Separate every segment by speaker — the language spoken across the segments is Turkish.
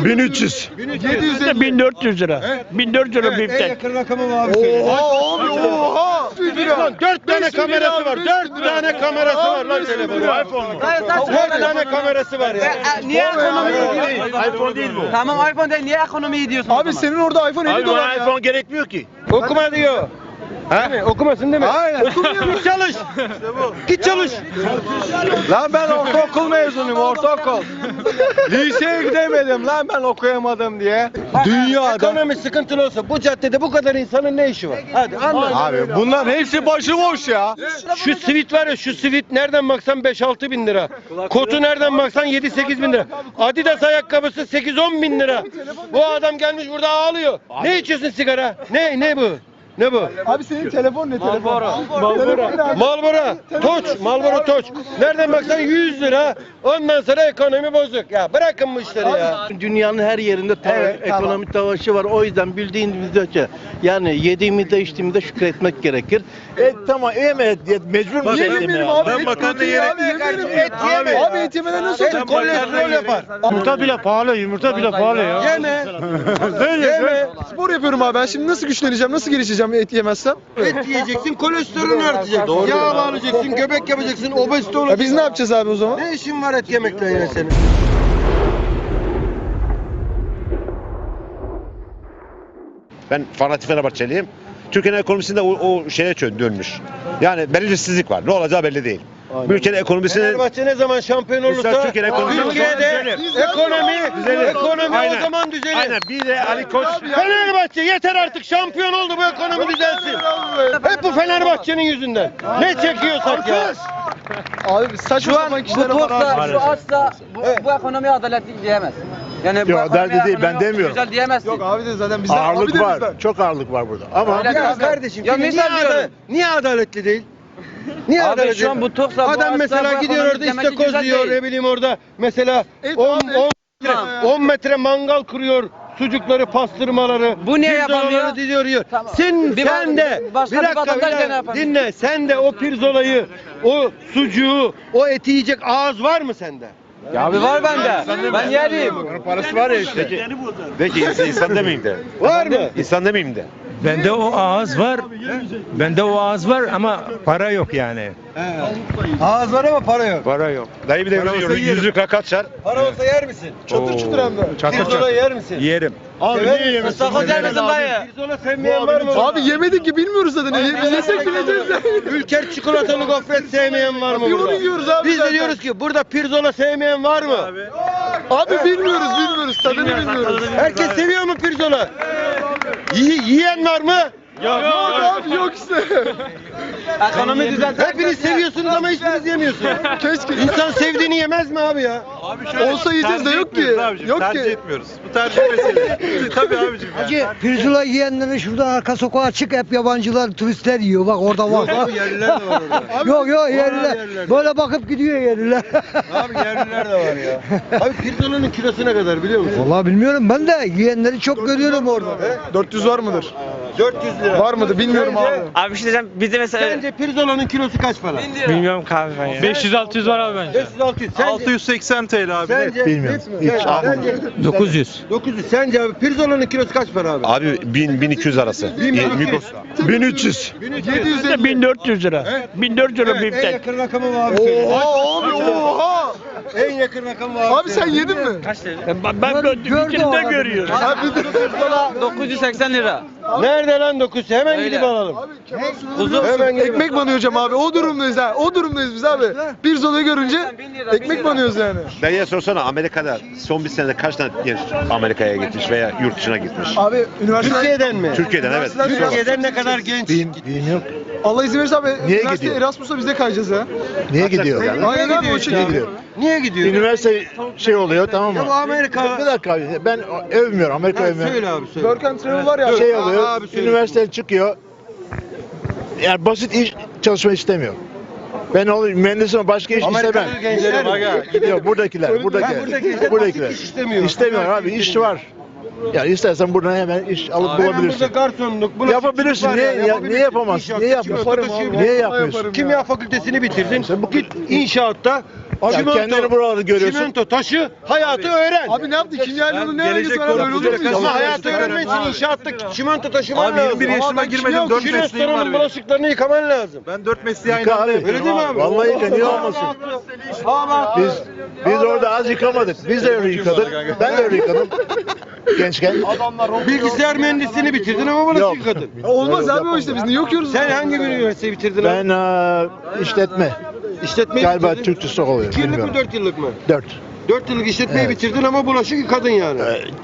Speaker 1: 1300.
Speaker 2: 750. 1400 lira. 1400 lira bir
Speaker 3: En
Speaker 2: tek.
Speaker 3: yakın rakamı mı abi söyle.
Speaker 1: Oha abi oha.
Speaker 3: 4 tane kamerası var. 4 tane kamerası var lan telefonu.
Speaker 1: iPhone mu?
Speaker 3: 4 tane kamerası var ya.
Speaker 4: Niye ekonomiyi değil?
Speaker 1: iPhone değil bu.
Speaker 4: Tamam iPhone değil. Niye ekonomiyi diyorsun?
Speaker 5: Abi senin orada iPhone 50
Speaker 1: Abi
Speaker 5: dolar
Speaker 1: bana
Speaker 5: ya.
Speaker 1: iPhone gerekmiyor ki.
Speaker 3: Okuma diyor. Ha? Okumasın değil mi?
Speaker 5: Aynen.
Speaker 3: Git çalış. Git çalış.
Speaker 5: Lan ben ortaokul mezunuyum, ortaokul. Liseye gidemedim lan ben okuyamadım diye. Dünyada.
Speaker 3: Ekonomi sıkıntılı olsa bu caddede bu kadar insanın ne işi var? Hadi anlat.
Speaker 5: Abi bunların hepsi başıboş ya.
Speaker 3: Şu sivit var ya, şu sivit nereden baksan 5-6 bin lira. Kotu nereden baksan 7-8 bin lira. Adidas ayakkabısı 8-10 bin lira. Bu adam gelmiş burada ağlıyor. Ne içiyorsun sigara? Ne bu? Ne bu?
Speaker 5: Abi senin telefon ne telefon?
Speaker 3: Marlboro Toç, Marlboro Toç. Nereden baksan 100 lira. Ondan sonra ekonomi bozuk. Ya bırakın bu işleri ya.
Speaker 6: Dünyanın her yerinde ekonomik savaşı var. O yüzden bildiğimiz ölçü. Yani yediğimizde içtiğimizde şükretmek gerekir.
Speaker 1: Tamam evet mecbur mu
Speaker 5: Yemeyelim abi.
Speaker 1: Ben
Speaker 5: et
Speaker 1: makarna
Speaker 5: proteini
Speaker 1: yerim.
Speaker 5: abi, yemeyelim.
Speaker 3: Et yeme.
Speaker 5: Abi et yemeden nasıl olacak?
Speaker 3: Kolesterol yapar.
Speaker 2: Yumurta bile pahalı, yumurta bile pahalı ya.
Speaker 3: Yeme. Yeme.
Speaker 5: Spor yapıyorum abi. Ben şimdi nasıl güçleneceğim? Nasıl gelişeceğim et yemezsem?
Speaker 3: Et yiyeceksin, kolesterolün artacak. Yağ alacaksın, göbek yapacaksın, obezite
Speaker 5: Ya
Speaker 3: olacaksın.
Speaker 5: biz ne yapacağız abi o zaman?
Speaker 3: Ne işin var et yemekle yine senin?
Speaker 7: Ben fanatik Fenerbahçeliyim. Türkiye'nin ekonomisinde o şeye dönmüş. Yani belirsizlik var. Ne olacağı belli değil. Bu ülkenin ekonomisinin
Speaker 3: Fenerbahçe ne zaman şampiyon olursa
Speaker 7: Mesela Türkiye'nin ekonomisi
Speaker 3: Türkiye'de ekonomi
Speaker 7: Aynen.
Speaker 3: o zaman düzelir.
Speaker 7: aynen bir de Ali Koç
Speaker 3: Fenerbahçe yeter artık, şampiyon oldu, bu ekonomi düzelsin. Hep bu Fenerbahçe'nin yüzünden. Ne çekiyorsak ya.
Speaker 5: Abi biz saçma
Speaker 4: Şu an
Speaker 5: sapan
Speaker 4: bu
Speaker 5: kişilere para
Speaker 4: topsa,
Speaker 5: harcıyoruz.
Speaker 4: şu açsa bu ekonomi adaletli diyemez. Yani bu
Speaker 1: Yok,
Speaker 4: ekonomi
Speaker 1: adaletli değil, ben
Speaker 4: ekonomi
Speaker 1: demiyorum.
Speaker 4: Güzel diyemezsin.
Speaker 5: Yok abi de zaten bizden. abi
Speaker 1: ağırlık
Speaker 5: de
Speaker 1: var.
Speaker 5: bizden.
Speaker 1: Çok ağırlık var burada. Ama
Speaker 4: Öyle
Speaker 3: Ya
Speaker 4: değil.
Speaker 3: kardeşim,
Speaker 4: Ya
Speaker 3: şimdi
Speaker 4: misal diyorum.
Speaker 3: niye adaletli değil? Niye
Speaker 4: Abi
Speaker 3: adaletli
Speaker 4: şu an
Speaker 3: değil?
Speaker 4: bu toksa, bu
Speaker 3: Adam
Speaker 4: açsa,
Speaker 3: mesela
Speaker 4: bu
Speaker 3: gidiyor
Speaker 4: ekonomi
Speaker 3: orada
Speaker 4: demek ki
Speaker 3: istakoz
Speaker 4: güzel
Speaker 3: diyor,
Speaker 4: değil.
Speaker 3: ne bileyim orada mesela
Speaker 5: Et
Speaker 3: 10
Speaker 5: abi,
Speaker 4: Tamam.
Speaker 3: 10 metre mangal kuruyor. Sucukları, pastırmaları,
Speaker 4: Bu niye
Speaker 3: pirzolaları
Speaker 4: yapamıyor?
Speaker 3: diyor yiyor.
Speaker 4: Tamam.
Speaker 3: Sen
Speaker 4: Bir
Speaker 3: de
Speaker 4: başka bir vatandaş gene yapamıyor.
Speaker 3: dinle. Sen de o pirzolayı, o sucuğu, o eti yiyecek ağız var mı sende?
Speaker 4: Ya abi var bende. Ben yerim.
Speaker 1: parası var ya işte.
Speaker 7: peki insan demeyeyim de.
Speaker 3: Var mı?
Speaker 7: İnsan demeyeyim de.
Speaker 2: Bende o ağız var. Bende o ağız var ama para yok yani.
Speaker 3: Ağız var ama para yok.
Speaker 2: Para yok.
Speaker 7: Dayı bir de yüzlük rakat çar.
Speaker 3: Para olsa yer misin?
Speaker 5: Çatır çutur hem de.
Speaker 3: Pirzola yer misin?
Speaker 2: Yerim.
Speaker 3: Abi niye yemezsin?
Speaker 4: Istakoz yer misin dayı?
Speaker 3: Pirzola sevmeyen var mı?
Speaker 5: Abi yemedik ki bilmiyoruz zaten. Biz yesek bileceğiz de.
Speaker 3: Ülker çikolatalı gofret sevmeyen var mı
Speaker 5: Bir
Speaker 3: burada?
Speaker 5: onu yiyoruz abi
Speaker 3: Biz de
Speaker 5: zaten.
Speaker 3: diyoruz ki burada pirzola sevmeyen var mı?
Speaker 5: Abi bilmiyoruz. Tadını bilmiyoruz.
Speaker 3: Herkes seviyor mu pirzola? Yiyen var mı?
Speaker 5: Yok abi yok işte.
Speaker 4: Ekonomi düzeltir.
Speaker 3: Hepiniz seviyorsunuz ama hiçbiriniz yemiyorsunuz.
Speaker 5: Keşke.
Speaker 3: İnsan sevdiğini yemez mi abi ya?
Speaker 5: Olsa yiyeceğiz de yok ki. Yok ki.
Speaker 1: etmiyoruz. Bu tercih meselesi. Tabii abicim.
Speaker 8: Hacı pirzola yiyenlerin şurada arka sokağa açık hep yabancılar, turistler yiyor. Bak orada var.
Speaker 3: Abi yerliler de var orada.
Speaker 8: Yok
Speaker 3: yerliler.
Speaker 8: yerliler. Böyle bakıp gidiyor yerliler.
Speaker 3: Abi yerliler de var ya. Abi pirzolanın kilosu ne kadar biliyor musun?
Speaker 8: Vallahi bilmiyorum ben de yiyenleri çok görüyorum orada.
Speaker 5: 400 var mıdır?
Speaker 3: 400 lira.
Speaker 5: Var mıdır bilmiyorum
Speaker 3: Sence?
Speaker 5: abi.
Speaker 4: Abi bir şey diyeceğim. Bizde mesela
Speaker 3: Sence pirzolanın kilosu kaç para?
Speaker 2: Bilmiyorum kahve ben ya.
Speaker 4: 500-600 var abi bence.
Speaker 3: 500-600. Sence?
Speaker 1: 680 TL abi.
Speaker 3: Sence?
Speaker 1: Bilmiyorum.
Speaker 3: Sence?
Speaker 2: 900.
Speaker 3: 900. Sence abi pirzolanın kilosu kaç para abi?
Speaker 7: Abi 1000-1200 arası.
Speaker 1: 1300.
Speaker 5: 750.
Speaker 2: 1400 lira. 1400 lira bir
Speaker 3: En
Speaker 2: tek.
Speaker 3: yakın rakamı mı abi söyle.
Speaker 5: Oha abi oha.
Speaker 3: En yakın rakamı abi.
Speaker 5: Abi sen yedin mi?
Speaker 2: Ben
Speaker 8: Gördü
Speaker 2: ikini
Speaker 8: o
Speaker 2: de
Speaker 8: adam.
Speaker 2: görüyorum.
Speaker 5: Abi bir de
Speaker 4: Pirzola 980 lira.
Speaker 3: Nerede lan 900? Hemen
Speaker 4: Öyle.
Speaker 3: gidip alalım.
Speaker 5: Hemen ekmek banıyor hocam abi. O durumdayız ha. O durumdayız biz abi. Bir zolayı görünce ekmek banıyoruz yani.
Speaker 7: Dayıya sorsana Amerika'da son bir senede kaç tane genç Amerika'ya gitmiş veya yurt dışına gitmiş?
Speaker 5: Abi üniversite
Speaker 3: Türkiye'den mi?
Speaker 7: Türkiye'den evet.
Speaker 3: Türkiye'den ne kadar genç?
Speaker 1: Bilmiyorum.
Speaker 5: Allah izin verirse abi
Speaker 1: Niye
Speaker 5: üniversite
Speaker 1: gidiyor?
Speaker 5: Erasmus'a biz de kayacağız ya.
Speaker 1: Niye gidiyor?
Speaker 5: Aynen abi o şekilde.
Speaker 1: gidiyor?
Speaker 3: Niye gidiyor?
Speaker 1: Üniversite şey oluyor tamam mı?
Speaker 3: Ya bu Amerika.
Speaker 1: Bir dakika abi ben övmüyorum Amerika
Speaker 3: Ha,
Speaker 1: övmüyorum.
Speaker 3: söyle abi söyle.
Speaker 5: Work and travel var ya.
Speaker 1: Şey oluyor
Speaker 3: abi söyle.
Speaker 1: üniversite çıkıyor. Yani basit iş çalışma istemiyor. Ben olayım mühendisim başka iş
Speaker 3: Amerikalı
Speaker 1: istemem.
Speaker 3: gençler mi?
Speaker 1: Yok buradakiler.
Speaker 3: Buradakiler basit iş istemiyor.
Speaker 1: İstemiyor abi iş var. Yani istersen buradan hemen iş alıp
Speaker 3: Hemen burada
Speaker 1: bulabilirsin.
Speaker 3: garsonluk, bulaşıkçılık
Speaker 1: Yapabilirsin.
Speaker 3: var ya,
Speaker 1: Niye
Speaker 3: yapabilirsin.
Speaker 1: yapamazsın?
Speaker 3: İnşaat,
Speaker 1: Niye
Speaker 3: çikolata
Speaker 1: yapmıyorsun?
Speaker 3: taşıyabilirsin.
Speaker 1: Niye yapmıyorsun?
Speaker 3: Kimya fakültesini bitirdin. Git inşaatta
Speaker 1: Ya kendini buralarda görüyorsun.
Speaker 3: Çimento taşı, hayatı öğren.
Speaker 5: Abi ne yaptı? Kimyacının ne ilgisi var? Böyle olur mu?
Speaker 3: Ama hayatı öğrenmek için inşaatta çimento taşıman
Speaker 5: Abi,
Speaker 3: lazım.
Speaker 5: 21 yaşıma
Speaker 3: Ama ben
Speaker 5: girmedim,
Speaker 3: kimya
Speaker 5: 4
Speaker 3: okudum.
Speaker 5: mesleğim var
Speaker 3: Restoranın
Speaker 5: benim.
Speaker 3: bulaşıklarını yıkaman lazım.
Speaker 5: Ben 4 mesleği aynı
Speaker 1: Yıka
Speaker 5: anda
Speaker 1: abi.
Speaker 5: yapıyorum.
Speaker 3: Öyle değil mi abi?
Speaker 1: Vallahi yıka, niye olmasın? Biz orada az yıkamadık. Biz de öyle yıkadık. Ben de öyle yıkadım. Gençken.
Speaker 3: Bilgisayar mühendisliğini bitirdin ama bulaşık
Speaker 1: Yok.
Speaker 3: yıkadın.
Speaker 5: Olmaz abi o işte biz niye okuyoruz?
Speaker 3: Sen hangi bir üniversiteyi bitirdin abi?
Speaker 1: Ben işletme.
Speaker 3: İşletmeyi
Speaker 1: Galiba
Speaker 3: bitirdin.
Speaker 1: Türk Tüsok oluyor.
Speaker 3: 2 yıllık mı
Speaker 1: Bilmiyorum.
Speaker 3: 4 yıllık mı?
Speaker 1: 4.
Speaker 3: 4 yıllık işletmeyi
Speaker 1: Evet.
Speaker 3: bitirdin ama bulaşık yıkadın yani.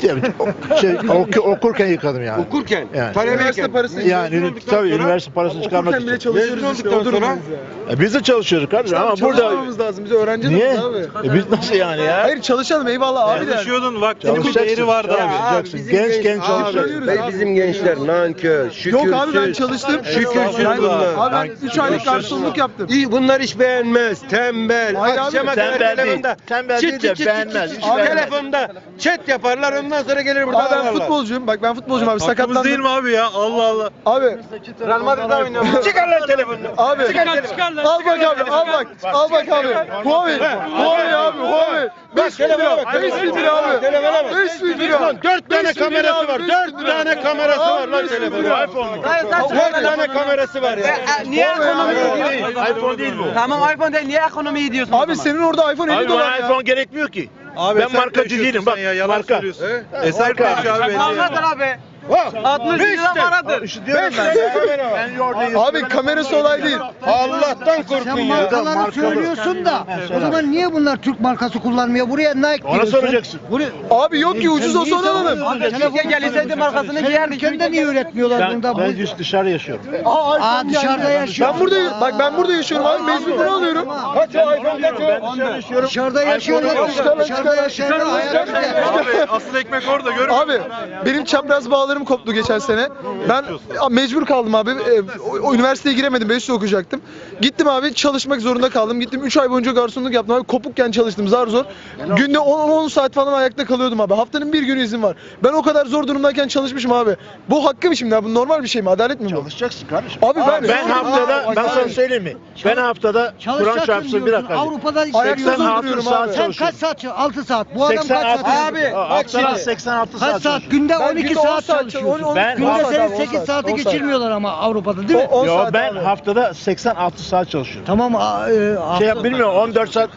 Speaker 1: Okurken yıkadım yani.
Speaker 3: Okurken,
Speaker 1: Yani.
Speaker 3: talebeyken.
Speaker 1: Yani tabii üniversite parasını çıkarmak
Speaker 5: Okurken bile
Speaker 1: için.
Speaker 5: çalışıyoruz
Speaker 3: Mezun
Speaker 5: işte
Speaker 3: olduktan
Speaker 5: o
Speaker 3: sonra.
Speaker 5: sonra.
Speaker 1: Biz de çalışıyoruz kardeşim ama burada...
Speaker 5: Çalışmamamız lazım biz öğrenci
Speaker 1: Niye?
Speaker 5: adamız abi.
Speaker 1: Biz nasıl yani ya?
Speaker 5: Hayır çalışalım eyvallah abi de.
Speaker 6: Çalışıyordun, vaktinin bir
Speaker 1: Çalışacaksın.
Speaker 6: değeri vardı abi.
Speaker 1: Çalışacaksın. Gençken çalışacaksın.
Speaker 3: Abi, bizim gençler nankör, şükürsüz.
Speaker 5: Yok abi ben çalıştım.
Speaker 3: Şükürsüz
Speaker 5: Ben-
Speaker 3: bunlar.
Speaker 5: Abi ben 3 aylık garsonluk yaptım.
Speaker 3: İyi, bunlar iş beğenmez, tembel.
Speaker 5: Hayır abi,
Speaker 3: Akşama kadar
Speaker 1: tembel değil.
Speaker 3: telefonda.
Speaker 1: Tembel değil de beğenmez, hiç beğenmez.
Speaker 3: Telefonda chat yaparlar, ondan sonra gelir burada
Speaker 5: Abi ben
Speaker 3: ağlarlar.
Speaker 5: futbolcuyum. Bak ben futbolcuyum abi sakatlandım.
Speaker 6: değil mi abi ya? Allah Allah.
Speaker 5: Abi
Speaker 4: Real Madrid'de oynuyor.
Speaker 3: Çıkar lan telefonunu.
Speaker 5: abi. Al bak abi al bak. Al bak abi. Huawei. Huawei abi Huawei. 5 bin
Speaker 3: telefona
Speaker 5: lira.
Speaker 3: bak.
Speaker 5: 5 bin lira abi.
Speaker 3: Telefona bak.
Speaker 5: 5 bin lira.
Speaker 3: Lan 4 tane
Speaker 5: 5 bin lira
Speaker 3: kamerası
Speaker 5: abi,
Speaker 3: var.
Speaker 5: 5
Speaker 3: 4
Speaker 5: bin lira.
Speaker 3: tane kamerası var lan
Speaker 5: 5 bin
Speaker 3: telefonun.
Speaker 5: lira.
Speaker 1: iPhone mu?
Speaker 3: 4 tane kamerası var ya.
Speaker 4: Niye ekonomi
Speaker 5: Huawei
Speaker 4: diyorsun?
Speaker 1: iPhone değil bu.
Speaker 4: Tamam iPhone değil, niye ekonomiyi diyorsun? o
Speaker 5: Abi
Speaker 4: zaman?
Speaker 5: senin orada iPhone 50
Speaker 1: Abi
Speaker 5: dolar
Speaker 1: bana
Speaker 5: ya.
Speaker 1: iPhone gerekmiyor ki.
Speaker 6: Abi
Speaker 1: Ben
Speaker 6: sen
Speaker 1: markacı
Speaker 6: karışıyorsun
Speaker 1: değilim,
Speaker 6: sen
Speaker 1: bak,
Speaker 6: ya, yalan
Speaker 1: marka.
Speaker 6: söylüyorsun. Eser karşı abi belli ya.
Speaker 4: Paradır abi.
Speaker 3: Bak.
Speaker 4: 60 lira paradır.
Speaker 1: İşte diyorum ben.
Speaker 3: Kamera var.
Speaker 1: Ben yordayım.
Speaker 5: Abi kamerası olay değil.
Speaker 3: Allah'tan korkun
Speaker 8: Sen
Speaker 3: ya.
Speaker 8: markaları
Speaker 1: markalı.
Speaker 8: söylüyorsun da o zaman niye bunlar Türk markası kullanmıyor? Buraya Nike
Speaker 1: Ona
Speaker 8: diyorsun.
Speaker 1: soracaksın.
Speaker 5: Abi yok ki ucuz olsa onu alalım.
Speaker 8: Abi
Speaker 4: Türkiye gelseydi markasını
Speaker 8: Senin
Speaker 4: giyerdik.
Speaker 8: ülkende niye üretmiyorlar bunda?
Speaker 1: Ben dışarı yaşıyorum.
Speaker 8: Aa dışarıda yaşıyor.
Speaker 5: Ben burada bak ben burada yaşıyorum abi mecbur bunu alıyorum.
Speaker 3: Kaç o iPhone kaç o?
Speaker 1: Dışarı yaşıyorum.
Speaker 8: Dışarıda yaşıyorlar. Dışarıda yaşayanlar hayat güzel.
Speaker 6: Abi asıl ekmek orada görüyor musun?
Speaker 5: Abi benim çapraz bağlarım koptu geçen sene. Ben mecbur kaldım abi. O üniversiteye giremedim. 5 yıl okuyacaktım. Gittim abi çalışmak zorunda kaldım. Gittim 3 ay boyunca garsonluk yaptım abi. Kopukken çalıştım zar zor. Günde 10 saat falan ayakta kalıyordum abi. Haftanın bir günü izin var. Ben o kadar zor durumdayken çalışmışım abi. Bu hakkı mı şimdi abi? Bu normal bir şey mi? Adalet mi bu?
Speaker 1: Çalışacaksın kardeşim.
Speaker 5: Abi
Speaker 1: Ben haftada, ben sana söyleyeyim mi? Ben haftada Kur'an
Speaker 8: Çalışacaksın
Speaker 1: çarpsın bir
Speaker 8: diyorsun.
Speaker 1: dakika.
Speaker 8: Avrupa'da
Speaker 5: Ayakta
Speaker 8: işleniyorsun.
Speaker 1: 86
Speaker 5: duruyorum
Speaker 1: saat
Speaker 5: abi.
Speaker 8: Sen
Speaker 1: çalışıyorum.
Speaker 8: kaç saat çalışıyorsun? 6 saat. Bu adam kaç
Speaker 1: 86
Speaker 8: saat?
Speaker 3: Abi, bak
Speaker 1: haftada
Speaker 3: şimdi.
Speaker 1: 86
Speaker 8: Kaç
Speaker 1: saat
Speaker 8: saat?
Speaker 1: çalışıyorum.
Speaker 8: Günde
Speaker 5: Ben
Speaker 8: 12
Speaker 5: günde 10
Speaker 8: saat
Speaker 5: saat
Speaker 8: çalışıyorsun.
Speaker 1: Ben-
Speaker 8: Günde
Speaker 5: 10
Speaker 8: senin
Speaker 5: saat,
Speaker 8: 8
Speaker 5: 10
Speaker 8: saati
Speaker 5: saat.
Speaker 8: geçirmiyorlar ama Avrupa'da değil mi?
Speaker 5: 10
Speaker 1: Yo
Speaker 5: saat
Speaker 1: ben
Speaker 5: abi.
Speaker 1: haftada 86 saat çalışıyorum.
Speaker 8: Tamam.
Speaker 1: Şey yap bilmiyorum 14 saat,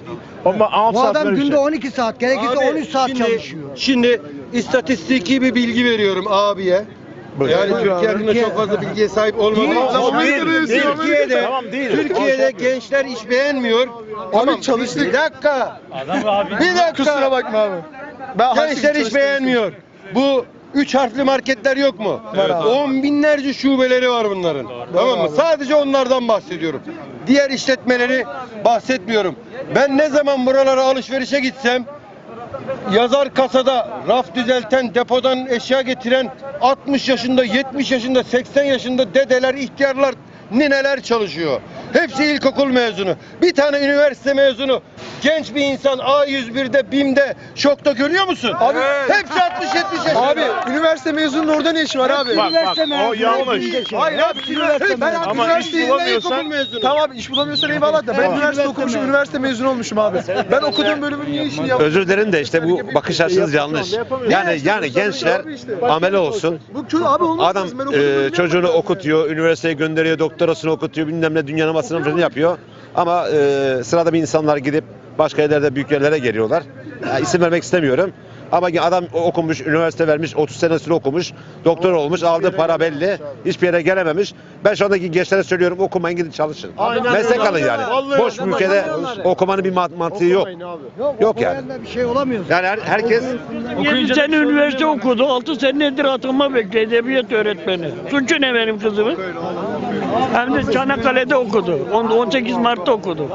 Speaker 1: 6
Speaker 8: Bu
Speaker 1: saat
Speaker 8: adam
Speaker 1: böyle bir
Speaker 8: günde
Speaker 1: şey.
Speaker 8: 12 saat, gerekirse
Speaker 3: Abi,
Speaker 8: 13 saat
Speaker 3: şimdi-
Speaker 8: çalışıyor.
Speaker 3: Şimdi istatistiki bir bilgi veriyorum abiye.
Speaker 1: Buyur.
Speaker 3: Yani
Speaker 5: Buyur
Speaker 3: Türkiye
Speaker 5: abi.
Speaker 3: hakkında çok fazla bilgiye sahip olmam ama
Speaker 5: Tamam,
Speaker 3: Türkiye'de,
Speaker 1: Tamam, değil.
Speaker 3: Türkiye'de gençler iş beğenmiyor. Tamam,
Speaker 5: çalıştık.
Speaker 3: Bir dakika. Bir dakika.
Speaker 5: Kusura bakma abi. Ben
Speaker 3: Gençler iş beğenmiyor. Bu 3 harfli marketler yok mu? 10 binlerce şubeleri var bunların. Tamam mı? Sadece onlardan bahsediyorum. Diğer işletmeleri bahsetmiyorum. Ben ne zaman buralara alışverişe gitsem yazar kasada raf düzelten, depodan eşya getiren 60 yaşında, 70 yaşında, 80 yaşında dedeler, ihtiyarlar, nineler çalışıyor. Hepsi ilkokul mezunu. Bir tane üniversite mezunu. Genç bir insan A101'de, BİM'de, şokta görüyor musun?
Speaker 5: Abi-
Speaker 3: hepsi 60-70 yaşında.
Speaker 5: Abi üniversite mezununun orada ne işi var abi?
Speaker 1: Bak o yanlış.
Speaker 5: Hayır abi ben
Speaker 1: Ama
Speaker 5: üniversiteyi
Speaker 1: iş bulamıyorsan-
Speaker 3: İlkokul mezunu.
Speaker 5: Tamam abi iş bulamıyorsan eyvallah da ben üniversite okumuşum, üniversite mezunu olmuşum abi. Ben okuduğum bölümün niye işini yaptım?
Speaker 7: Özür dilerim de işte bu bakış açınız yanlış. Yani gençler amele olsun.
Speaker 5: Bu kötü abi olmaz
Speaker 7: Adam
Speaker 5: lazım. Ben okuduğum bölümü
Speaker 7: çocuğunu
Speaker 5: yapmadım.
Speaker 7: okutuyor, üniversiteye gönderiyor, doktorasını okutuyor, bilmem ne dünyanın masrafını yapıyor. Ama sırada bir insanlar gidip başka yerlerde büyük yerlere geliyorlar. Ya, isim vermek istemiyorum. Ama adam okumuş, üniversite vermiş, 30 senesini okumuş, doktor olmuş, aldığı para belli, hiçbir yere gelememiş. Ben şu andaki gençlere söylüyorum, okumayın gidin çalışın. Meslek alın yani. Boş bir ülkede okumanın bir mantığı yok. Yok yani.
Speaker 8: Okuyanda bir şey olamıyorsun.
Speaker 7: Yani herkes
Speaker 9: 7 sene üniversite okudu. 6 senedir atılma bekliyor edebiyat öğretmeni. Suçu ne benim kızımın? Hem de Çanakkale'de okudu. 18 Mart'ta okudu.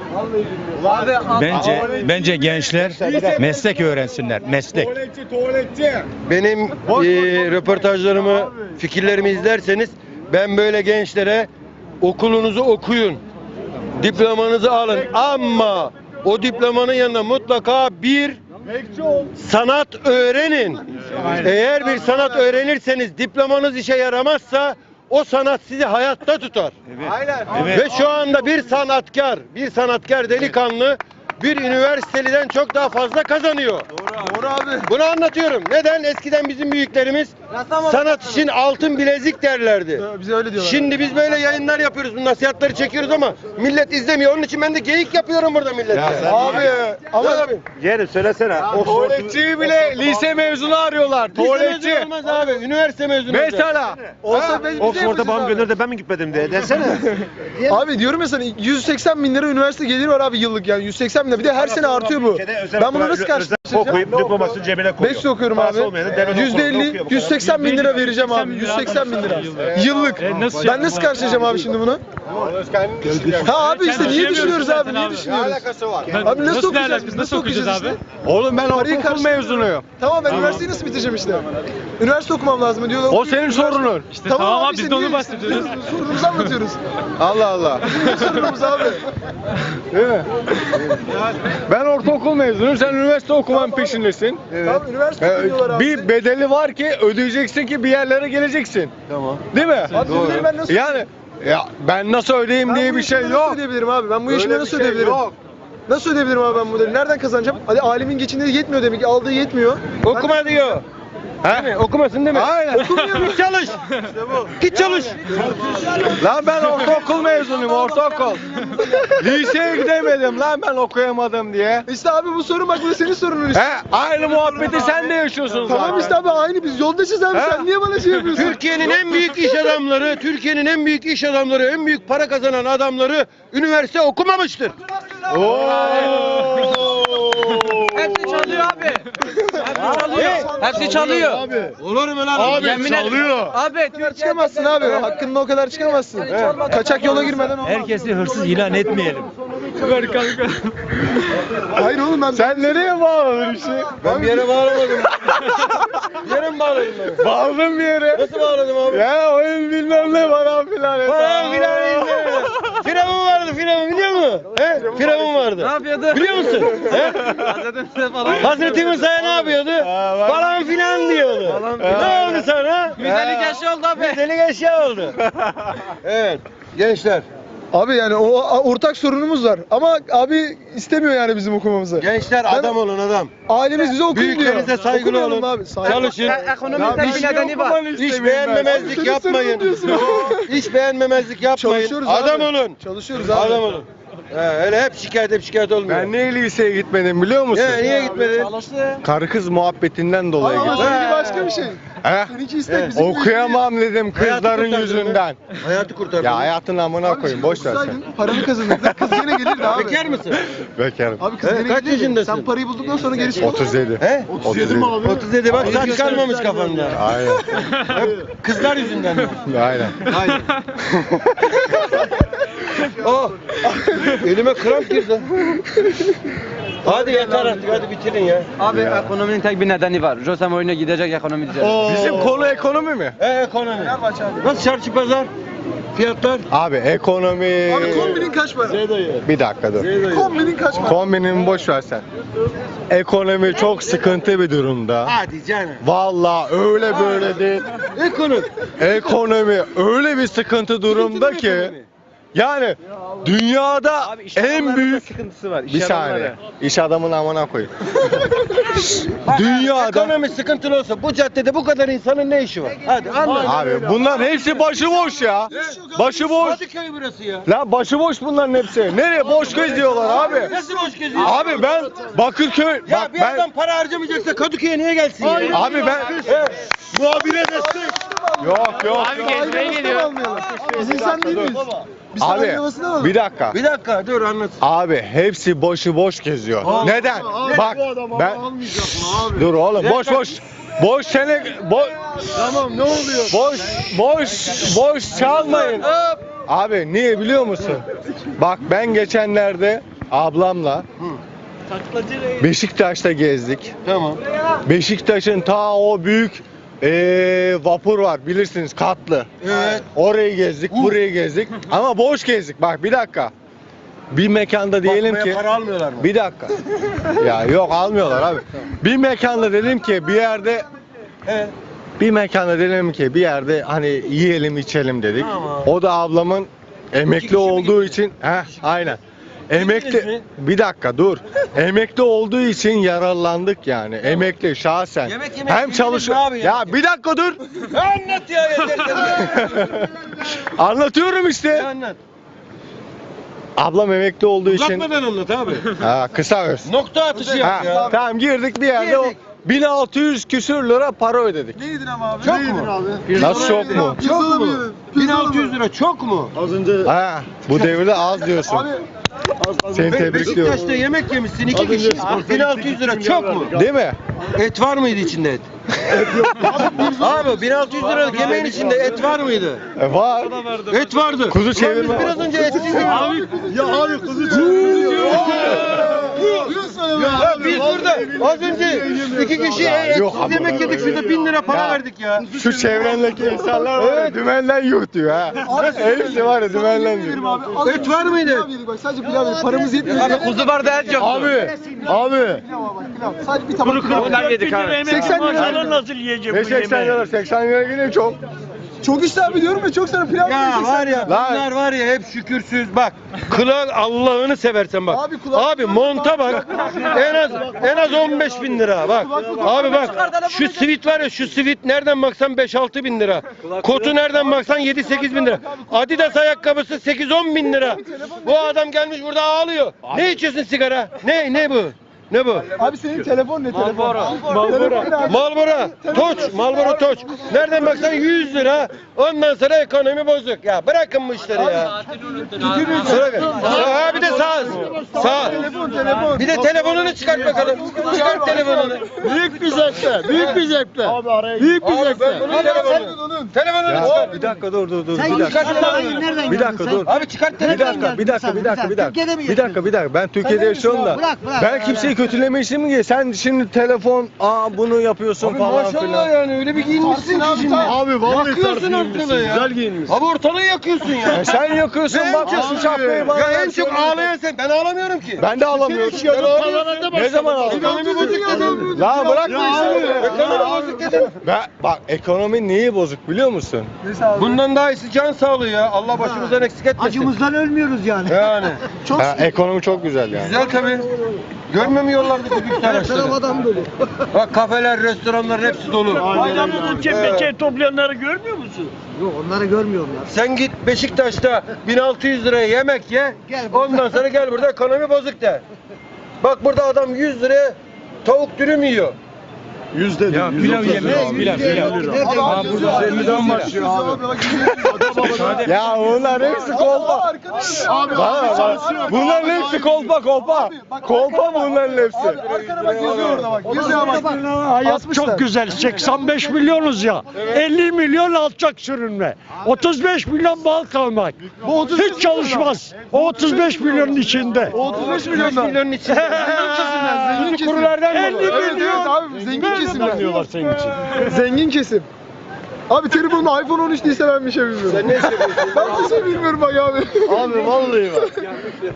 Speaker 2: Bence gençler meslek öğrensinler. Meslek.
Speaker 3: Benim röportajlarımı, fikirlerimi izlerseniz ben böyle gençlere okulunuzu okuyun, diplomanızı alın ama o diplomanın yanında mutlaka bir sanat öğrenin. Eğer bir sanat öğrenirseniz diplomanız işe yaramazsa o sanat sizi hayatta tutar. Ve şu anda bir sanatkar delikanlı bir üniversiteliden çok daha fazla kazanıyor.
Speaker 5: Doğru abi.
Speaker 3: Bunu anlatıyorum. Neden? Eskiden bizim büyüklerimiz sanat için altın bilezik derlerdi.
Speaker 5: Bize öyle diyorlar.
Speaker 3: Şimdi biz böyle yayınlar yapıyoruz, bu nasihatleri çekiyoruz ama millet izlemiyor. Onun için ben de geyik yapıyorum burada millete.
Speaker 5: Abi ama
Speaker 3: Abi.
Speaker 7: Yeğenim söylesene.
Speaker 6: Tuvaletçiyi bile lise mezunu arıyorlar.
Speaker 3: Tuvaletçi. Olmaz abi. Üniversite mezunu.
Speaker 6: Mesela.
Speaker 5: olsa bize
Speaker 7: Oxford'a
Speaker 5: yapacağız
Speaker 7: babam
Speaker 5: abi.
Speaker 7: gönderdi de ben mi gitmedim diye desene.
Speaker 5: Abi diyorum ya sana 180 bin lira üniversite geliri var abi yıllık yani 180 bin lira. Bir de her sene artıyor bu. Ben bunu nasıl karşılaşacağım?
Speaker 7: Okuyup diplomasını cebine koyuyor.
Speaker 5: 5 okuyorum abi. %50, 180 bin lira vereceğim abi. 180 bin lira. Yıllık. Ben nasıl karşılayacağım abi şimdi bunu? Ha abi işte niye düşünüyoruz abi? Niye düşünüyoruz? Abi nasıl okuyacağız biz? Nasıl okuyacağız işte?
Speaker 6: Oğlum ben
Speaker 5: Parayı
Speaker 6: ortaokul mezunuyum.
Speaker 5: Tamam ben üniversiteyi nasıl bitireceğim işte? Üniversite okumam lazım diyorlar.
Speaker 6: O senin sorunun.
Speaker 5: Tamam abi biz de onu bahsediyoruz. Sorunumuzu anlatıyoruz.
Speaker 6: Allah Allah.
Speaker 5: Sorunumuz abi.
Speaker 6: Değil mi? Ben ortaokul mezunuyum. Sen üniversite okuman peşindesin.
Speaker 5: Tamam üniversite okuyorlar abi.
Speaker 6: Bir bedeli var ki ödeyeceksin ki bir yerlere geleceksin.
Speaker 3: Tamam.
Speaker 5: Abi
Speaker 6: Değil mi?
Speaker 5: bunları ben nasıl
Speaker 6: Yani ya ben nasıl ödeyeyim
Speaker 5: Ben
Speaker 6: diye
Speaker 5: bu
Speaker 6: bir şey
Speaker 5: yaşımda Nasıl
Speaker 6: yok.
Speaker 5: ödeyebilirim abi? Ben bu yaşımda
Speaker 6: Öyle bir
Speaker 5: nasıl
Speaker 6: şey
Speaker 5: ödeyebilirim?
Speaker 6: yok.
Speaker 5: Nasıl ödeyebilirim abi ben bu ödevi? Nereden kazanacağım? Hadi alimin geçindiği yetmiyor demek ki. Aldığı yetmiyor.
Speaker 3: Okuma diyor.
Speaker 6: He?
Speaker 3: Okumasın değil mi?
Speaker 6: Aynen.
Speaker 3: Okumuyor mu? Git çalış. Git çalış.
Speaker 6: Lan ben ortaokul mezunuyum, ortaokul. Liseye gidemedim lan ben okuyamadım diye.
Speaker 5: İşte abi bu sorun bak bu da senin sorunun işte.
Speaker 6: He, aynı muhabbeti sen de yaşıyorsun zaten.
Speaker 5: Tamam işte abi aynı biz yoldaşız abi
Speaker 6: He?
Speaker 5: sen niye bana şey yapıyorsun?
Speaker 3: Türkiye'nin en büyük iş adamları, Türkiye'nin en büyük iş adamları, en büyük para kazanan adamları üniversite okumamıştır.
Speaker 4: Hepsi çalıyor abi. Hepsi çalıyor. Hepsi çalıyor.
Speaker 3: Olur mu lan?
Speaker 5: Abi
Speaker 4: Yemin
Speaker 5: çalıyor.
Speaker 4: Abi
Speaker 5: Çıkamazsın abi. Hakkında o kadar çıkamazsın. Kaçak yola girmeden olmaz.
Speaker 2: Herkesi hırsız ilan etmeyelim.
Speaker 5: Hayır oğlum ben
Speaker 6: Sen nereye bağladın işi?
Speaker 3: Ben bir yere bağlamadım. Bir yere mi bağladım ben?
Speaker 6: Bağladın bir yere.
Speaker 3: Nasıl bağladım abi?
Speaker 6: Ya oyun bilmem ne falan filan.
Speaker 3: Falan filan izleme. Firavun vardı, Firavun biliyor musun? He? Firavun vardı.
Speaker 4: ne yapıyordu?
Speaker 3: Biliyor musun? He?
Speaker 4: Hazreti falan.
Speaker 3: Hazreti Musa'ya ne yapıyordu? Falan filan diyordu. Ne oldu sana?
Speaker 4: Güzellik eşya oldu abi.
Speaker 3: Güzellik eşya oldu. Evet. Gençler.
Speaker 5: Abi yani o ortak sorunumuz var. Ama abi istemiyor yani bizim okumamızı.
Speaker 3: Gençler adam olun adam.
Speaker 5: Ailemiz bize okuyun diyor.
Speaker 3: Büyüklerinize saygılı
Speaker 5: Okumayalım
Speaker 3: olun.
Speaker 5: Abi. Saygı.
Speaker 3: Çalışın.
Speaker 4: Ekonominin tek bir nedeni var.
Speaker 3: Hiç beğenmemezlik
Speaker 5: Senin
Speaker 3: yapmayın.
Speaker 5: sorunun diyorsun.
Speaker 3: Hiç beğenmemezlik yapmayın.
Speaker 5: Çalışıyoruz
Speaker 3: Adam
Speaker 5: abi.
Speaker 3: olun.
Speaker 5: Çalışıyoruz abi.
Speaker 3: Adam olun. Öyle hep şikayet olmuyor.
Speaker 6: Ben niye liseye gitmedim biliyor musun?
Speaker 3: Niye gitmedin?
Speaker 6: Karı kız muhabbetinden dolayı
Speaker 5: Ama
Speaker 6: gittim.
Speaker 5: seninki başka bir şey.
Speaker 6: He?
Speaker 5: Seninki istek bizim
Speaker 6: Okuyamam dedim kızların
Speaker 3: kurtardın
Speaker 6: yüzünden.
Speaker 3: Hayatı kurtardın.
Speaker 6: Ya hayatın amına koyayım boş ver sen.
Speaker 5: okusaydın, paranı kazanırdın. Kız yine gelirdi abi.
Speaker 3: Bekar mısın?
Speaker 6: Bekarım.
Speaker 5: Abi kız
Speaker 3: He,
Speaker 5: yine
Speaker 3: kaç
Speaker 5: gelirdi.
Speaker 3: yaşındasın?
Speaker 5: Sen parayı bulduktan sonra gerisi
Speaker 6: 37.
Speaker 3: He?
Speaker 6: 37 mi abi?
Speaker 3: 37 bak saç kalmamış kafanda.
Speaker 6: Aynen.
Speaker 3: Hep kızlar yüzünden.
Speaker 6: Aynen.
Speaker 3: Aynen. Oh! Elime kramp girdi. Hadi yeter artık hadi bitirin ya.
Speaker 4: Abi ekonominin tek bir nedeni var. Josem oyuna gidecek ekonomi düzelir.
Speaker 6: Bizim konu ekonomi mi?
Speaker 3: Ekonomi. Nasıl çarşı pazar? Fiyatlar?
Speaker 6: Abi ekonomi...
Speaker 5: Abi kombinin kaç para?
Speaker 6: Bir dakika dur.
Speaker 5: Kombinin kaç para?
Speaker 6: Kombinimi boş ver sen. Ekonomi çok sıkıntı bir durumda.
Speaker 3: Hadi canım.
Speaker 6: Vallahi öyle böyle değil.
Speaker 3: Ekonomi.
Speaker 6: Ekonomi öyle bir sıkıntı durumda ki yani dünyada en büyük
Speaker 4: sıkıntısı var.
Speaker 6: bir saniye. İş adamın amına koyayım. Dünyada
Speaker 3: Ekonomi sıkıntılı olsa bu caddede bu kadar insanın ne işi var? Hadi anlat.
Speaker 6: abi bunlar hepsi başıboş ya. Başıboş.
Speaker 3: Kadıköy burası ya.
Speaker 6: La başıboş bunların hepsi. Nereye boş geziyorlar abi?
Speaker 3: Nasıl boş geziyor?
Speaker 6: Abi ben Bakırköy
Speaker 3: Ya
Speaker 6: bak
Speaker 3: bir
Speaker 6: ben
Speaker 3: adam para harcamayacaksa Kadıköy'e niye gelsin ya?
Speaker 6: abi ben
Speaker 3: Muhabire destek.
Speaker 6: yok.
Speaker 5: Abi gezmeye geliyor. Biz insan değil miyiz? Biz
Speaker 6: Abi
Speaker 5: sarayın havasını alalım.
Speaker 6: bir dakika.
Speaker 3: Bir dakika dur anlat.
Speaker 6: Abi hepsi boş geziyor. Neden? Bak ben dur oğlum boş sene
Speaker 5: Tamam ne oluyor?
Speaker 6: boş çalmayın. Abi niye biliyor musun? Bak ben geçenlerde ablamla Beşiktaş'ta gezdik.
Speaker 3: Tamam.
Speaker 6: Beşiktaş'ın ta o büyük vapur var bilirsiniz katlı.
Speaker 3: Evet.
Speaker 6: Orayı gezdik, burayı gezdik ama boş gezdik. Bak bir dakika. Bir mekanda diyelim
Speaker 3: Bakmaya
Speaker 6: ki
Speaker 3: para almıyorlar mı?
Speaker 6: bir dakika. Ya yok almıyorlar abi. Bir mekanda dedim ki bir yerde
Speaker 3: Evet.
Speaker 6: bir mekanda dedim ki bir yerde hani yiyelim içelim dedik.
Speaker 3: Tamam.
Speaker 6: O da ablamın emekli olduğu için aynen.
Speaker 3: emekli bir dakika dur. Emekli olduğu için yararlandık yani. Emekli şahsen.
Speaker 4: Yemek yemek
Speaker 3: Hem çalışıyor.
Speaker 4: abi
Speaker 3: Ya bir dakika dur.
Speaker 4: Anlat ya
Speaker 3: Anlatıyorum işte.
Speaker 4: Anlat.
Speaker 3: Ablam emekli olduğu için.
Speaker 4: Uzatmadan anlat abi.
Speaker 3: Ha, kısa öz.
Speaker 4: Nokta atışı yap
Speaker 3: Ha,
Speaker 4: ya.
Speaker 3: tamam girdik bir yerde
Speaker 4: Girdik.
Speaker 3: 1600 küsür lira para ödedik.
Speaker 5: Ne yedin ama abi?
Speaker 4: Çok
Speaker 5: Ne yedin
Speaker 4: mu?
Speaker 5: abi?
Speaker 3: Nasıl çok mu?
Speaker 5: Çok mu?
Speaker 4: 1600 lira çok mu?
Speaker 3: Ha, bu devirde az diyorsun.
Speaker 5: Abi
Speaker 3: Seni tebrikliyorum.
Speaker 4: Beşiktaş'ta yemek yemişsin 2 kişi. 1600 lira çok mu?
Speaker 3: Değil mi?
Speaker 4: Et var mıydı içinde et? Abi 1600 liralık yemeğin içinde et var mıydı?
Speaker 3: Var.
Speaker 4: Et vardı.
Speaker 3: Kuzu
Speaker 4: Ulan
Speaker 3: çevirme.
Speaker 4: biz biraz önce etsiz yedik. Ya biz burada az önce 2 kişi
Speaker 3: yok
Speaker 4: etsiz
Speaker 3: abi.
Speaker 4: yemek yedik. Şurada 1000 lira para
Speaker 3: Ya.
Speaker 4: verdik ya.
Speaker 3: Şu çevrendeki insanlar var ya dümenden yutuyor ha. Hepsi var ya dümenden
Speaker 5: yedim
Speaker 3: yutuyor.
Speaker 5: abi. Az
Speaker 4: Et
Speaker 5: önce
Speaker 4: var mıydı?
Speaker 5: pilav yedik bak, sadece pilav yedik. Paramız yetmiyor.
Speaker 4: Kuzu vardı et yok.
Speaker 3: Abi.
Speaker 5: Pilav bak, pilav. Sadece bir tabak pilav.
Speaker 9: Onlar yedik abi.
Speaker 5: 80 lira.
Speaker 9: Maşallah nasıl yiyecek
Speaker 3: Ne
Speaker 9: bu
Speaker 3: 80
Speaker 9: yemeği?
Speaker 3: lira 80 lira yine çok.
Speaker 5: Çok işte abi diyorum ya, çok sana pilav
Speaker 4: Ya
Speaker 5: yiyeceksin.
Speaker 4: var ya bunlar var ya hep şükürsüz bak. Kulak Allah'ını seversen bak.
Speaker 5: Abi kulak-
Speaker 4: Abi monta bak. En az 15 bin lira bak. Abi bak şu sivit var ya şu sivit nereden baksan 5-6 bin lira. Kotu nereden baksan 7-8 bin lira. Adidas ayakkabısı 8-10 bin lira. Bu adam gelmiş burada ağlıyor. Ne içiyorsun sigara? Ne bu? Ne bu?
Speaker 5: Abi senin telefon ne telefon?
Speaker 4: Malboro Toç, Malboro Toç. Nereden baksan 100 lira. Ondan sonra ekonomi bozuk. Ya bırakın bu işleri ya. Ha bir de sağ. Bir de telefonunu çıkart bakalım. Çıkart telefonunu.
Speaker 5: Büyük bir zevkle. Büyük bir zevkle. Abi araya. Büyük bir
Speaker 4: Abi
Speaker 5: zevkle.
Speaker 4: ben bunun telefonunu. Telefonunu
Speaker 3: Ya
Speaker 4: çıkart.
Speaker 3: bir dakika dur.
Speaker 4: Çıkart telefonunu.
Speaker 8: Nereden
Speaker 3: Bir dakika dur.
Speaker 4: Abi çıkart
Speaker 3: Bir
Speaker 4: telefonunu.
Speaker 3: dakika. Bir dakika. Ben Türkiye'de yaşıyorum da.
Speaker 8: Bırak.
Speaker 3: Ben kimseyi kötülemek istemiyorum ki. Sen şimdi telefon, bunu yapıyorsun
Speaker 4: Abi
Speaker 3: falan
Speaker 4: maşallah
Speaker 3: filan.
Speaker 4: yani öyle bir giyinmişsin ki şimdi.
Speaker 5: Abi vallahi
Speaker 4: Yakıyorsun ortalığı ya.
Speaker 5: Güzel giyinmişsin.
Speaker 4: Abi ortalığı yakıyorsun ya.
Speaker 3: Sen yakıyorsun bak şu şapkayı bana.
Speaker 4: Ya en
Speaker 3: versin.
Speaker 4: çok ağlayan sen. Ben ağlamıyorum ki.
Speaker 3: Ben de alamıyorum. Ne zaman aldın?
Speaker 4: Ekonomi bozuk dedim.
Speaker 3: La bırak bu işleri.
Speaker 4: Ekonomi bozuk dedim.
Speaker 3: Bak ekonomi neyi bozuk biliyor musun?
Speaker 4: Bundan daha iyisi can sağlığı ya. Allah başımızdan eksik etmesin.
Speaker 8: Acımızdan ölmüyoruz yani.
Speaker 4: Yani.
Speaker 3: Ekonomi çok güzel yani.
Speaker 4: Güzel tabii. Görmüyor musun yollardaki lüks araçları?
Speaker 8: Adam dolu.
Speaker 4: Bak kafeler, restoranların hepsi dolu.
Speaker 9: Adamın çepeçe toplayanları görmüyor musun?
Speaker 8: Yok onları görmüyorum ya.
Speaker 4: Sen git Beşiktaş'ta 1600 liraya yemek ye. Ondan sonra gel burada ekonomi bozuk de. Bak burada adam 100 liraya tavuk dürüm yiyor.
Speaker 2: Ya pilav yemeyiz pilav.
Speaker 3: Ha burada 50'den başlıyor abi. Ya bunlar hepsi kolpa.
Speaker 5: Abi
Speaker 3: Bunların hepsi kolpa. Kolpa bunların hepsi.
Speaker 5: arkana bak, yazıyor orada bak. Yazıyor bak.
Speaker 9: Hayat çok güzel. 85 milyonuz ya. 50 milyon alçak sürünme. 35 milyon bal kalmak.
Speaker 5: Bu 35
Speaker 9: Hiç çalışmaz. O 35 milyonun içinde.
Speaker 5: 35 milyondan.
Speaker 4: Milyonun içinde.
Speaker 5: Zengin kesim.
Speaker 9: Kurulardan
Speaker 5: 50 milyon. Abi zengin kesimler.
Speaker 9: senin için.
Speaker 5: Zengin kesim. Abi telefonumda iPhone 13 değilse ben bir şey bilmiyorum.
Speaker 4: Sen ne iş yapıyorsun?
Speaker 5: Ben bir şey bilmiyorum bak abi.
Speaker 4: Abi vallahi bak.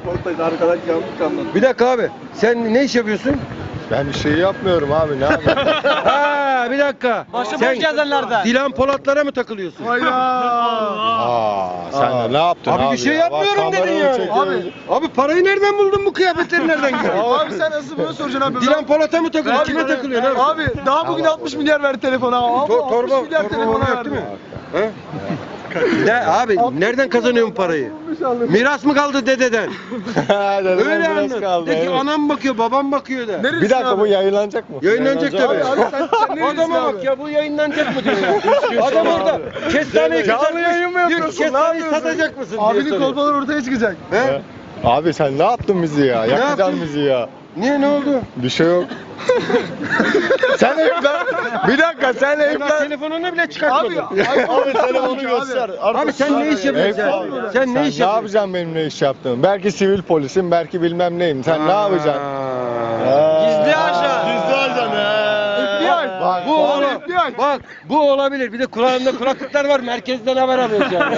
Speaker 4: Bir dakika abi. Sen ne iş yapıyorsun?
Speaker 3: Ben bir şey yapmıyorum abi ne yapayım?
Speaker 4: Ha bir dakika. Sen Dilan Polatlara mı takılıyorsun?
Speaker 5: Hayda.
Speaker 3: Sen de ne yaptın abi?
Speaker 4: Abi bir şey
Speaker 3: ya?
Speaker 4: yapmıyorum
Speaker 3: Bak,
Speaker 4: dedin
Speaker 3: kameranı
Speaker 4: yani.
Speaker 3: çekiyoruz.
Speaker 4: Abi parayı nereden buldun bu kıyafetleri nereden giydin?
Speaker 5: Abi sen nasıl bunu soracaksın abi?
Speaker 4: Dilan Polat'a mı takılıyorsun? Kime takılıyorsun abi?
Speaker 5: Abi daha bugün 60 milyar verdi telefona. Abi 60 milyar telefona
Speaker 4: yok
Speaker 5: verdi.
Speaker 4: değil mi? He? Ne abi nereden kazanıyorsun parayı? Miras mı kaldı dededen?
Speaker 3: Dededen
Speaker 4: Öyle
Speaker 3: biraz
Speaker 4: anlat.
Speaker 3: kaldı,
Speaker 4: De ki
Speaker 3: evet.
Speaker 4: anam bakıyor, babam bakıyor de.
Speaker 5: Neresi
Speaker 3: Bir dakika
Speaker 5: abi?
Speaker 3: bu yayınlanacak mı?
Speaker 4: Yayınlanacak tabii.
Speaker 5: Abi sen nerelisin
Speaker 4: Adama
Speaker 5: abi?
Speaker 4: bak ya bu yayınlanacak mı diyor ya. Adam orada kestaneyi
Speaker 3: Canlı
Speaker 4: kızartmış.
Speaker 3: yayın mı
Speaker 4: Diyor ki,
Speaker 3: yapıyorsun? Ne
Speaker 4: kestaneyi
Speaker 3: yapıyorsun?
Speaker 4: satacak mısın diye
Speaker 5: Abinin
Speaker 4: soruyor.
Speaker 5: kolpaları ortaya çıkacak.
Speaker 4: He?
Speaker 3: Abi sen ne yaptın bizi ya? Yakacaksın
Speaker 4: yaptım?
Speaker 3: bizi ya.
Speaker 4: Niye ne oldu?
Speaker 3: Bir şey yok. Sen evlen. Bir dakika sen
Speaker 4: Daha
Speaker 3: evlen.
Speaker 4: telefonunu bile çıkartmadın.
Speaker 5: Abi telefonu göster.
Speaker 4: Abi sen ne iş yapıyorsun? Sen ne iş
Speaker 3: Ne
Speaker 4: yapıyorsun?
Speaker 3: yapacaksın benim ne iş yaptığımı? Belki sivil polisim, belki bilmem neyim. Sen ne yapacaksın?
Speaker 4: Gizli ajan.
Speaker 3: Gizli ajan
Speaker 5: FBI.
Speaker 3: Bak,
Speaker 4: Bu
Speaker 5: Abi,
Speaker 4: olur.
Speaker 5: FBI.
Speaker 4: Bak bu olabilir. Bir de kulağında kulaklıklar var. Merkezden haber alıyoruz yani.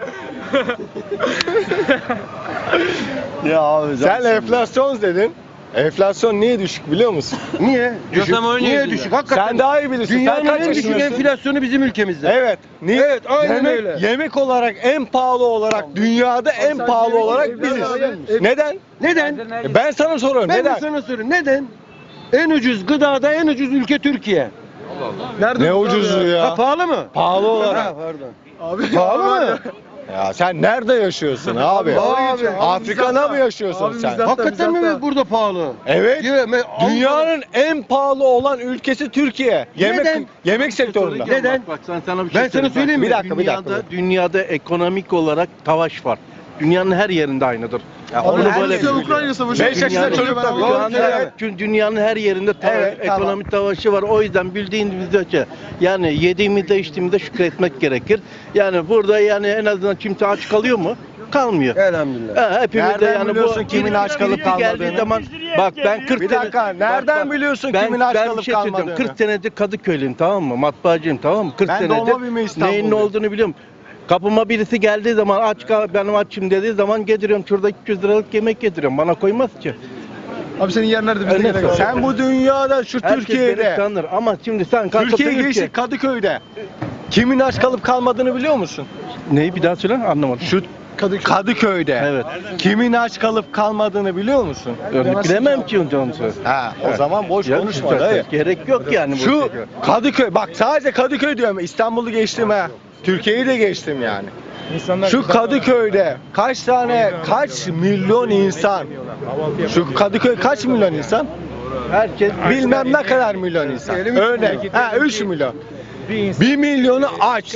Speaker 3: Ya abi sen enflasyon dedin.
Speaker 4: Enflasyon niye düşük biliyor musun?
Speaker 3: Niye? Düşük. Niye düşük? Hakikaten.
Speaker 4: Sen daha iyi bilirsin.
Speaker 3: Dünyanın
Speaker 4: Sen kaç
Speaker 3: en düşük
Speaker 4: yaşındasın?
Speaker 3: enflasyonu bizim ülkemizde.
Speaker 4: Evet. Niye?
Speaker 3: Evet, aynen
Speaker 4: yemek,
Speaker 3: öyle.
Speaker 4: Yemek olarak en pahalı olarak dünyada en pahalı olarak biziz. Neden?
Speaker 3: Neden?
Speaker 4: Ben sana soruyorum.
Speaker 3: Ben
Speaker 4: Neden?
Speaker 3: de sana soruyorum. Neden? En ucuz gıdada en ucuz ülke Türkiye.
Speaker 5: Nerede
Speaker 4: Ne
Speaker 5: bu abi
Speaker 4: ucuzluğu
Speaker 5: ya?
Speaker 3: Ha,
Speaker 4: ya?
Speaker 3: pahalı mı?
Speaker 4: Pahalı olarak.
Speaker 3: Ha, pardon.
Speaker 5: Abi
Speaker 3: Pahalı mı?
Speaker 4: Ya sen nerede yaşıyorsun abi?
Speaker 5: Abi,
Speaker 4: Afrika'da mı yaşıyorsun
Speaker 5: Abi
Speaker 4: sen?
Speaker 5: bizden-
Speaker 3: Hakikaten mi
Speaker 5: Mizahta.
Speaker 3: burada pahalı?
Speaker 4: Evet.
Speaker 3: Ya,
Speaker 4: Dünyanın en pahalı olan ülkesi Türkiye.
Speaker 3: Neden?
Speaker 4: Yemek sektöründe.
Speaker 3: Neden?
Speaker 6: Bak sen sana bir şey
Speaker 3: Ben sana söyleyeyim mi?
Speaker 4: Bir dakika, bir dakika.
Speaker 6: Dünyada ekonomik olarak savaş var. Dünyanın her yerinde aynıdır.
Speaker 5: Abi
Speaker 6: Onu
Speaker 5: Rusya
Speaker 6: böyle bilin.
Speaker 5: Ukrayna savaşı.
Speaker 4: 5 yaşında
Speaker 5: Dünyanın-
Speaker 4: çocuk da
Speaker 5: Ben-
Speaker 4: biliyor.
Speaker 3: Evet.
Speaker 6: Çünkü dünyanın her yerinde
Speaker 4: Evet, tamam.
Speaker 6: ekonomik savaşı var. O yüzden bildiğimiz ölçü yani yediğimizde içtiğimizde şükretmek gerekir. Yani burada yani en azından kimse aç kalıyor mu? Kalmıyor.
Speaker 3: Elhamdülillah.
Speaker 6: Ha, hepimiz de
Speaker 4: Nereden
Speaker 6: yani
Speaker 4: biliyorsun kimin aç kalıp
Speaker 6: birisi geldiği
Speaker 4: kalmadığını?
Speaker 6: zaman bak ben 40
Speaker 4: Bir dakika, nereden biliyorsun kimin aç
Speaker 6: ben
Speaker 4: kalıp
Speaker 6: bir şey söyleyeceğim.
Speaker 4: kalmadığını?
Speaker 6: 40 senedir Kadıköylüyüm, tamam mı? Matbaacıyım, tamam mı? 40
Speaker 4: Ben
Speaker 6: senedir
Speaker 4: doğma büyüme İstanbulluyum.
Speaker 6: neyin ne olduğunu biliyorum. Kapıma birisi geldiği zaman aç kal, benim açım dediği zaman getiriyorum. Şurada 200 liralık yemek getiriyorum. Bana koymaz ki.
Speaker 5: Abi senin yer nerede? Biz de
Speaker 6: Öyle
Speaker 5: gene kaldık.
Speaker 4: Sen bu dünyada şu
Speaker 6: Herkes beni
Speaker 4: Türkiye'de,
Speaker 6: tanır ama şimdi sen kalkıp
Speaker 4: Türkiye
Speaker 6: dedin
Speaker 4: geçti
Speaker 6: ki-
Speaker 4: Kadıköy'de kimin aç kalıp kalmadığını biliyor musun?
Speaker 6: Neyi bir daha söyle, anlamadım.
Speaker 4: Şu Kadıköy'de
Speaker 6: Evet.
Speaker 4: kimin aç kalıp kalmadığını biliyor musun?
Speaker 6: Bilemem ki onu söyle.
Speaker 4: Ha, o zaman boş
Speaker 6: Ya,
Speaker 4: konuşma
Speaker 6: zaten
Speaker 4: dayı.
Speaker 6: gerek yok yani. bu
Speaker 4: Şu
Speaker 6: şekilde.
Speaker 4: Kadıköy, bak sadece Kadıköy diyorum, İstanbul'u geçtim ha. Türkiye'yi de geçtim yani. Şu Kadıköy'de kaç milyon insan? Şu Kadıköy kaç milyon insan?
Speaker 6: Herkes
Speaker 4: Bilmem ne kadar milyon insan. Örnek. Ha 3 milyon. 1 milyonu aç.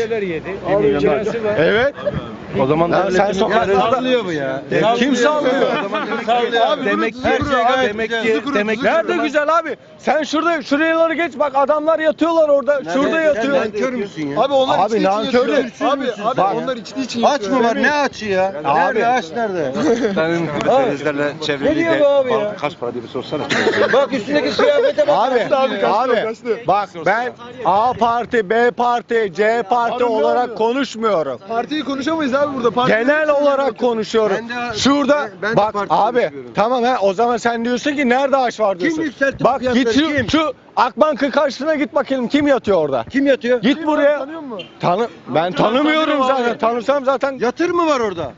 Speaker 4: Evet.
Speaker 6: o zaman
Speaker 4: Ya sen
Speaker 6: devletin
Speaker 4: sokaklarda
Speaker 3: Sallıyor bu ya.
Speaker 4: kim sallıyor?
Speaker 5: Abi
Speaker 6: demek
Speaker 5: bunu
Speaker 6: ki
Speaker 5: tuzu kuru abi.
Speaker 6: demek
Speaker 5: Tuzu
Speaker 6: ki
Speaker 5: kuru,
Speaker 6: demek
Speaker 5: tuzu kuru.
Speaker 4: Nerede güzel abi? Sen şuraları geç bak, adamlar yatıyorlar orada. Şurada yatıyor.
Speaker 3: Nankör müsün ya?
Speaker 5: Abi onlar
Speaker 4: Abi
Speaker 5: içtiği için
Speaker 4: nankör
Speaker 5: yatıyor.
Speaker 4: müsün?
Speaker 5: Abi
Speaker 4: Bak.
Speaker 5: onlar içtiği için
Speaker 3: Aç
Speaker 5: yatıyor.
Speaker 3: mı var? Ne açı ya? Nerede aç nerede? Ne diyor bu abi ya?
Speaker 7: Kaç para diye bir sorsana.
Speaker 3: Bak üstündeki kıyafete bak.
Speaker 4: Abi bak ben A parti, B parti, C parti
Speaker 5: Abi ne
Speaker 4: olarak
Speaker 5: oluyor?
Speaker 4: konuşmuyorum.
Speaker 5: Partiyi konuşamayız abi burada. Parti
Speaker 4: Genel olarak konuşuyorum.
Speaker 3: Ben de-
Speaker 4: Şurada
Speaker 3: ben de
Speaker 4: bak
Speaker 3: parti
Speaker 4: abi
Speaker 3: konuşuyorum.
Speaker 4: tamam ha, o zaman sen diyorsun ki nerede aş var diyorsun.
Speaker 3: yükseltti bu
Speaker 4: Bak
Speaker 3: fiyatları,
Speaker 4: git
Speaker 3: kim?
Speaker 4: şu Akbank'ın karşısına git bakalım, kim yatıyor orada.
Speaker 3: Kim yatıyor?
Speaker 4: Git buraya.
Speaker 5: Tanıyor musun?
Speaker 4: Ben tanımıyorum zaten. Tanısam zaten.
Speaker 3: Yatır mı var orada?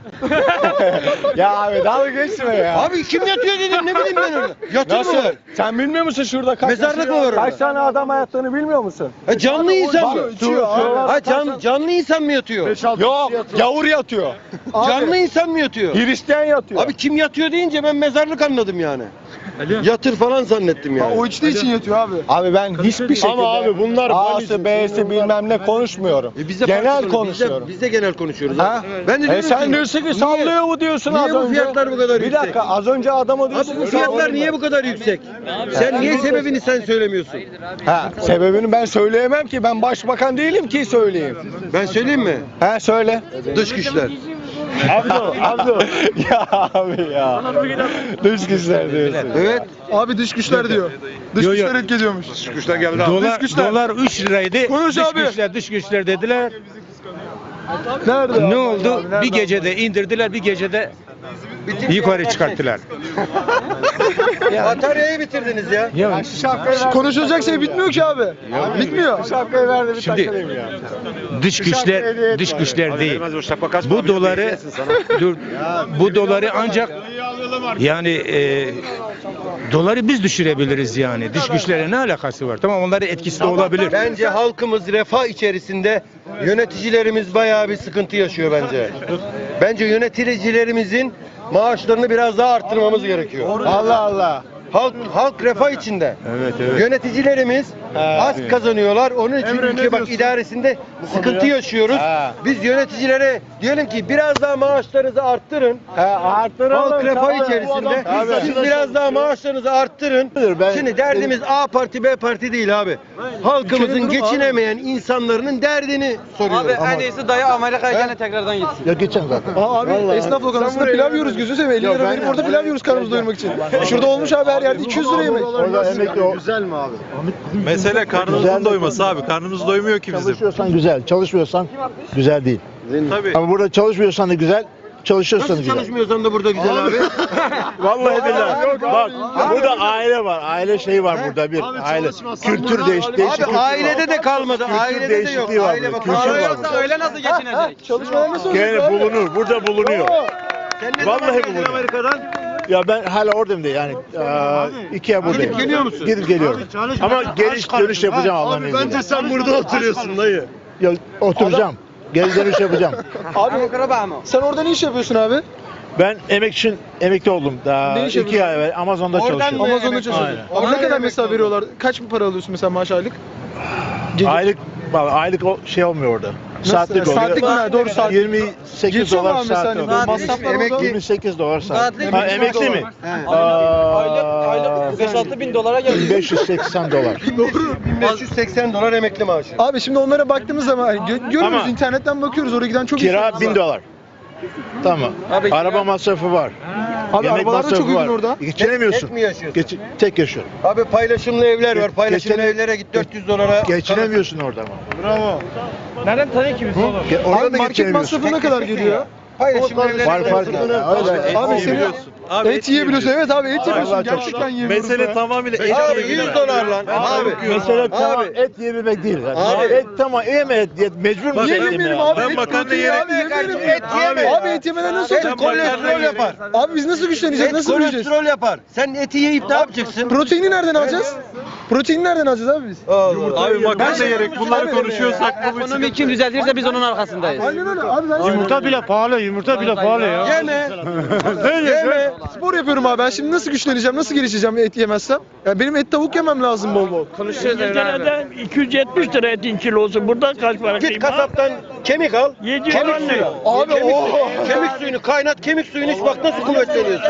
Speaker 4: Ya abi dalga geçme ya.
Speaker 3: Abi kim yatıyor dedim, ne bileyim ben orada. Yatır
Speaker 4: Nasıl?
Speaker 3: mı var?
Speaker 4: Sen bilmiyor musun şurada kaç
Speaker 3: Mezarlık mı var orada?
Speaker 4: Kaç tane adam yattığını bilmiyor musun?
Speaker 3: Canlı insan mı? Ha,
Speaker 4: Canlı
Speaker 3: canlı insan mı yatıyor?
Speaker 4: Yok, gavur yatıyor.
Speaker 3: Canlı insan mı yatıyor?
Speaker 4: Hristiyan yatıyor.
Speaker 3: Abi kim yatıyor deyince ben mezarlık anladım yani. Yatır falan zannettim yani.
Speaker 5: O içtiği için yatıyor abi.
Speaker 4: Abi ben hiçbir şekilde
Speaker 1: Ama abi bunlar
Speaker 4: A'sı B'si bilmem ne konuşmuyorum.
Speaker 3: Biz de
Speaker 4: Genel
Speaker 3: farklı
Speaker 4: konuşuyorum.
Speaker 3: Biz de genel konuşuyoruz.
Speaker 4: Ha?
Speaker 3: Ben de diyorum
Speaker 4: Sen
Speaker 3: ki,
Speaker 4: diyorsun ki
Speaker 3: niye-
Speaker 4: sallıyor mu diyorsun
Speaker 3: niye
Speaker 4: az
Speaker 3: bu
Speaker 4: önce?
Speaker 3: fiyatlar bu kadar
Speaker 4: Bir
Speaker 3: yüksek?
Speaker 4: dakika, az önce adama diyorsun
Speaker 3: Abi bu
Speaker 4: ki
Speaker 3: fiyatlar
Speaker 4: sallıyor.
Speaker 3: niye bu kadar yüksek? Sen niye sebebini sen söylemiyorsun?
Speaker 4: Ha, sebebini ben söyleyemem ki, ben başbakan değilim ki söyleyeyim.
Speaker 3: Ben söyleyeyim mi?
Speaker 4: Ha söyle.
Speaker 3: Dış güçler.
Speaker 1: Abdo.
Speaker 4: Ya abi ya. Dış güçler diyorsun.
Speaker 3: Evet.
Speaker 5: Abi dış güçler diyor. Dış
Speaker 2: Yo, yo.
Speaker 5: güçler etki ediyormuş.
Speaker 2: Dolar 3 liraydı.
Speaker 5: Konuş abi.
Speaker 2: Dış güçler dediler.
Speaker 5: Nerede?
Speaker 2: Ne oldu? Bir gecede indirdiler, bir gecede yukarı çıkarttılar.
Speaker 3: Bataryayı bitirdiniz ya.
Speaker 2: Ya
Speaker 5: Konuşulacak şey bitmiyor ki abi. Bitmiyor.
Speaker 4: Şapkayı verdi bir
Speaker 2: Şimdi-
Speaker 4: takılayım ya.
Speaker 2: dış güçler değil. Bu doları bu doları ancak yani doları biz düşürebiliriz yani. Dış güçlere ne alakası var? Tamam, onların etkisi de olabilir.
Speaker 3: Bence halkımız refah içerisinde, yöneticilerimiz bayağı bir sıkıntı yaşıyor bence. Bence yöneticilerimizin maaşlarını biraz daha arttırmamız gerekiyor.
Speaker 4: Allah Allah.
Speaker 3: Halk refah içinde.
Speaker 2: Evet, evet.
Speaker 3: Yöneticilerimiz az kazanıyorlar. Onun için ülke bak idaresinde sıkıntı yaşıyoruz.
Speaker 4: Ha.
Speaker 3: Biz yöneticilere diyelim ki biraz daha maaşlarınızı arttırın.
Speaker 4: Arttıralım.
Speaker 3: Halk refah
Speaker 4: tamam.
Speaker 3: içerisinde.
Speaker 4: Tabii.
Speaker 3: Siz biraz daha maaşlarınızı arttırın. Şimdi derdimiz A parti B parti değil abi. Halkımızın geçinemeyen insanların derdini soruyoruz.
Speaker 10: Abi en iyisi dayı Amerika'ya gene tekrardan gitsin.
Speaker 1: Ya geçen zaten.
Speaker 5: Abi esnaf lokantasında pilav yiyoruz gözünü seveyim. 50 lira verip orada pilav yiyoruz karnımızı doyurmak için. Şurada olmuş abi her yerde 200 lira yemek.
Speaker 1: Orada emekli o.
Speaker 3: Güzel mi abi?
Speaker 11: Mesele karnımızın doyması abi. Karnımız doymuyor ki bizim.
Speaker 1: Çalışıyorsan güzel, çalışmıyorsan güzel değil.
Speaker 11: Tabii.
Speaker 1: Ama burada çalışmıyorsan da güzel, çalışıyorsan
Speaker 3: Nasıl
Speaker 1: güzel.
Speaker 3: çalışmıyorsan da burada güzel abi.
Speaker 1: Vallahi billahi. Bak burada aile var. Aile şeyi var burada bir. Aile. Kültür değişik
Speaker 3: Abi
Speaker 1: kültür
Speaker 3: ailede
Speaker 1: var.
Speaker 3: de kalmadı.
Speaker 1: Kültür
Speaker 3: Ailede de yok.
Speaker 1: değişikliği var
Speaker 3: Aile
Speaker 1: burada.
Speaker 3: bak.
Speaker 1: Kültür
Speaker 3: Aile
Speaker 1: var
Speaker 3: yoksa
Speaker 1: burada.
Speaker 10: Öyle nasıl geçinecek?
Speaker 5: Çalışmalar nasıl olacak
Speaker 1: Gene
Speaker 5: abi?
Speaker 1: bulunur. Burada bulunuyor.
Speaker 3: Sen ne
Speaker 1: Vallahi
Speaker 3: zaman geldin
Speaker 1: bulunuyor.
Speaker 3: Amerika'dan?
Speaker 1: Ya ben hala oradayım da yani 2 ay buradayım.
Speaker 3: Gidip geliyor musun?
Speaker 1: Gidip geliyorum. Ama geliş dönüş yapacağım Allah'ın izniyle.
Speaker 3: Bence sen burada oturuyorsun dayı.
Speaker 1: Ya, oturacağım. Geri dönüş yapacağım.
Speaker 5: Abi sen orada ne iş yapıyorsun abi?
Speaker 1: Ben emekli oldum. Daha
Speaker 5: Ne iş
Speaker 1: 2 ay evvel Amazon'da
Speaker 3: Oradan
Speaker 1: çalışıyorum.
Speaker 3: mı?
Speaker 5: Amazon'da
Speaker 3: Aynen.
Speaker 5: çalışıyorsun. Abi ne
Speaker 3: Aynen.
Speaker 5: kadar mesela veriyorlar? Kaç para alıyorsun mesela maaş aylık?
Speaker 1: Aylık şey olmuyor orada.
Speaker 5: Nasıl?
Speaker 1: Saatlik oluyor.
Speaker 5: Saatlik mi? Ha, doğru, saatlik.
Speaker 1: 28
Speaker 5: Geçiyor mu
Speaker 1: dolar
Speaker 5: abi mesela
Speaker 1: saat
Speaker 5: hani
Speaker 1: oluyor.
Speaker 5: böyle masraflar orada?
Speaker 1: 28 dolar saat.
Speaker 10: Saatlik
Speaker 1: Ha,
Speaker 10: mi?
Speaker 1: emekli mi?
Speaker 10: Aylık 5-6 bin dolara geliyor.
Speaker 1: 1580 dolar.
Speaker 3: 1580 dolar emekli maaşı.
Speaker 5: Abi şimdi onlara baktığımız zaman hani görüyoruz
Speaker 1: Ama-
Speaker 5: internetten bakıyoruz oraya giden çok
Speaker 1: Kira
Speaker 5: insan
Speaker 1: 1000
Speaker 5: var.
Speaker 1: dolar. Tamam.
Speaker 10: Abi,
Speaker 1: Araba masrafı var.
Speaker 5: Abi
Speaker 1: Yemek
Speaker 5: arabalar da
Speaker 1: masrafı
Speaker 5: çok uygun
Speaker 1: var.
Speaker 5: orada.
Speaker 1: Geçinemiyorsun.
Speaker 3: Tek mi yaşıyorsun?
Speaker 1: Tek yaşıyorum.
Speaker 3: Abi paylaşımlı evler var. Paylaşımlı
Speaker 1: Geçen-
Speaker 3: evlere git 400 dolara.
Speaker 1: Geçinemiyorsun orada ama.
Speaker 3: Bravo.
Speaker 10: Nereden tanıyor ki biz oğlum?
Speaker 1: Orada
Speaker 5: Abi
Speaker 1: da
Speaker 5: market
Speaker 1: geçinemiyorsun.
Speaker 5: masrafı ne kadar geliyor?
Speaker 3: Paylaşımlı evlere
Speaker 1: Var fark ya. Öyle.
Speaker 5: Abi senin et yiyebiliyorsun. Evet abi et yiyorsun.
Speaker 1: Vallahi çok
Speaker 5: Gerçekten yiyebiliyorsun.
Speaker 11: Mesele tamamıyla et
Speaker 3: Abi
Speaker 11: yiyebilmek.
Speaker 3: 100 dolar lan. Abi.
Speaker 1: Mesela tamam
Speaker 3: Abi.
Speaker 1: et yiyebilmek değil. Yani.
Speaker 3: Abi.
Speaker 1: Et tamam yeme et. Mecbur musun
Speaker 5: Niye
Speaker 1: et yemeye?
Speaker 5: yemeyelim abi?
Speaker 11: Ben
Speaker 5: Et
Speaker 11: makarna
Speaker 5: proteini
Speaker 11: yiyerek-
Speaker 5: abi, yemeyelim.
Speaker 3: Et yeme.
Speaker 5: Abi et yemeden nasıl
Speaker 3: Et
Speaker 5: olacak?
Speaker 3: kolesterol yapar.
Speaker 5: Abi biz nasıl güçleneceğiz?
Speaker 3: Et
Speaker 5: Nasıl büyüyeceğiz?
Speaker 3: kolesterol yapar. Sen eti yiyip ne yapacaksın?
Speaker 5: Proteini nereden alacağız? Proteini nereden alacağız abi biz?
Speaker 11: Abi makarna yiyerek bunları konuşuyorsak bu
Speaker 10: Ekonomi kim düzeltirse biz onun arkasındayız.
Speaker 5: Aynen öyle abi ben
Speaker 1: Yumurta bile pahalı ya.
Speaker 3: Yeme.
Speaker 5: Yeme. Spor yapıyorum abi ben şimdi nasıl güçleneceğim? Nasıl gelişeceğim et yemezsem? Ya benim et tavuk yemem lazım bol bol.
Speaker 9: İngiltere'de 270 lira etin kilosu. Burada kaç para
Speaker 3: Git
Speaker 9: kıyma?
Speaker 3: kasaptan kemik al.
Speaker 9: 700
Speaker 3: Kemik
Speaker 9: lira.
Speaker 3: suyu.
Speaker 5: Abi
Speaker 3: kemik,
Speaker 5: o.
Speaker 3: kemik suyunu kaynat, kemik suyunu iç bak nasıl kuvvetleniyorsun.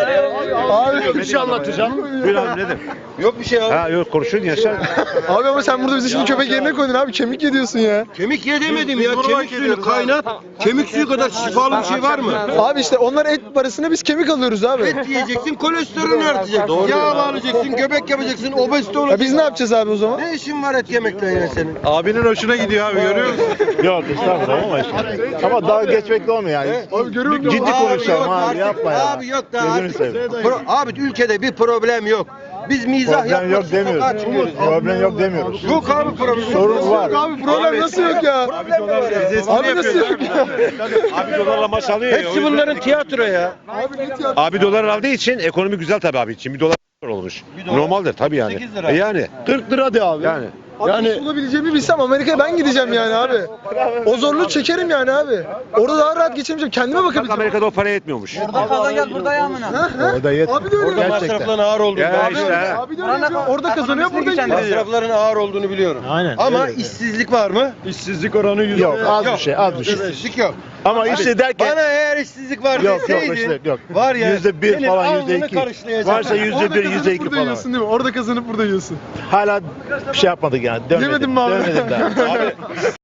Speaker 5: Abi
Speaker 1: Bir şey anlatacağım. Bir abi nedir?
Speaker 3: Yok bir şey abi.
Speaker 1: Ha yok konuşun yaşar.
Speaker 5: Abi ama sen burada bizi şimdi köpek yerine koydun abi kemik yediyorsun ya.
Speaker 3: Kemik ye demedim ya. Kemik suyunu kaynat. Kemik suyu kadar şifalı bir şey var mı?
Speaker 5: Abi işte onlar et parasına biz kemik alıyoruz abi.
Speaker 3: Et yiyeceksin, kolesterolünü artacaksın. Yağ alacaksın, göbek yapacaksın, obezite
Speaker 5: Ya
Speaker 3: olacaksın.
Speaker 5: biz ne yapacağız abi o zaman?
Speaker 3: Ne işin var et yemekle yine senin?
Speaker 11: abinin hoşuna gidiyor abi görüyor musun?
Speaker 1: Yok estağfurullah ama işte. Ama daha geçmekle olmuyor yani.
Speaker 5: Abi görüyorum ya.
Speaker 1: Ciddi konuşalım abi
Speaker 3: artık.
Speaker 1: yapma ya.
Speaker 3: Abi yok da
Speaker 1: Gözünü
Speaker 3: artık.
Speaker 1: seveyim.
Speaker 3: Abi ülkede bir problem yok. Biz mizah
Speaker 1: Problem
Speaker 3: yapmak
Speaker 1: yok
Speaker 3: için sokağa
Speaker 1: demiyoruz.
Speaker 3: çıkıyoruz.
Speaker 1: Problem yok demiyoruz.
Speaker 3: Yok abi problem.
Speaker 1: Sorun var.
Speaker 5: Abi problem nasıl yok ya?
Speaker 3: Problem mi var ya?
Speaker 5: Abi nasıl yok ya?
Speaker 7: Abi dolarla maç alıyor ya.
Speaker 3: Hepsi bunların tiyatro ya.
Speaker 7: Abi dolar aldığı için ekonomi güzel tabii abi. Şimdi bir dolar olmuş. Normaldir tabii yani.
Speaker 3: 8 lira.
Speaker 7: Yani.
Speaker 1: 40 lira de abi.
Speaker 7: Yani.
Speaker 5: Abi yani olabileceğimi bilsem Amerika'ya ben gideceğim yani abi. O zorluğu çekerim yani abi. Orada daha rahat geçirmeyeceğim. Kendime
Speaker 7: Bak
Speaker 5: bakabileceğim.
Speaker 7: Amerika'da o paraya etmiyormuş.
Speaker 10: Burada kazan gel burada yağmına.
Speaker 1: Orada yet.
Speaker 5: Abi de öyle.
Speaker 3: Orada
Speaker 1: Gerçekten.
Speaker 3: masrafların ağır olduğunu
Speaker 7: Ya
Speaker 3: biliyorum.
Speaker 7: işte ha.
Speaker 5: Abi de öyle yapıyor. Orada kazanıyor burada gidiyor.
Speaker 3: Masrafların ağır olduğunu biliyorum.
Speaker 1: Aynen,
Speaker 3: Ama
Speaker 1: öyle.
Speaker 3: işsizlik var mı?
Speaker 1: İşsizlik oranı Yok az bir şey az bir şey.
Speaker 3: İşsizlik yok.
Speaker 1: Ama işte derken
Speaker 3: Bana eğer işsizlik var
Speaker 1: yok
Speaker 3: deseydin,
Speaker 1: işte yok.
Speaker 3: var ya
Speaker 1: %1
Speaker 3: senin
Speaker 1: falan
Speaker 3: alnını
Speaker 1: %2.
Speaker 3: karışlayacak.
Speaker 1: Varsa
Speaker 5: Orada
Speaker 1: %1
Speaker 5: kazanıp
Speaker 1: %2
Speaker 5: burada
Speaker 1: falan.
Speaker 5: yiyorsun değil mi? Orada kazanıp burada yiyorsun.
Speaker 1: Hala bir şey yapmadık yani. Dönmedim.
Speaker 5: Yemedin mi abi?
Speaker 1: Dönmedim daha. Abi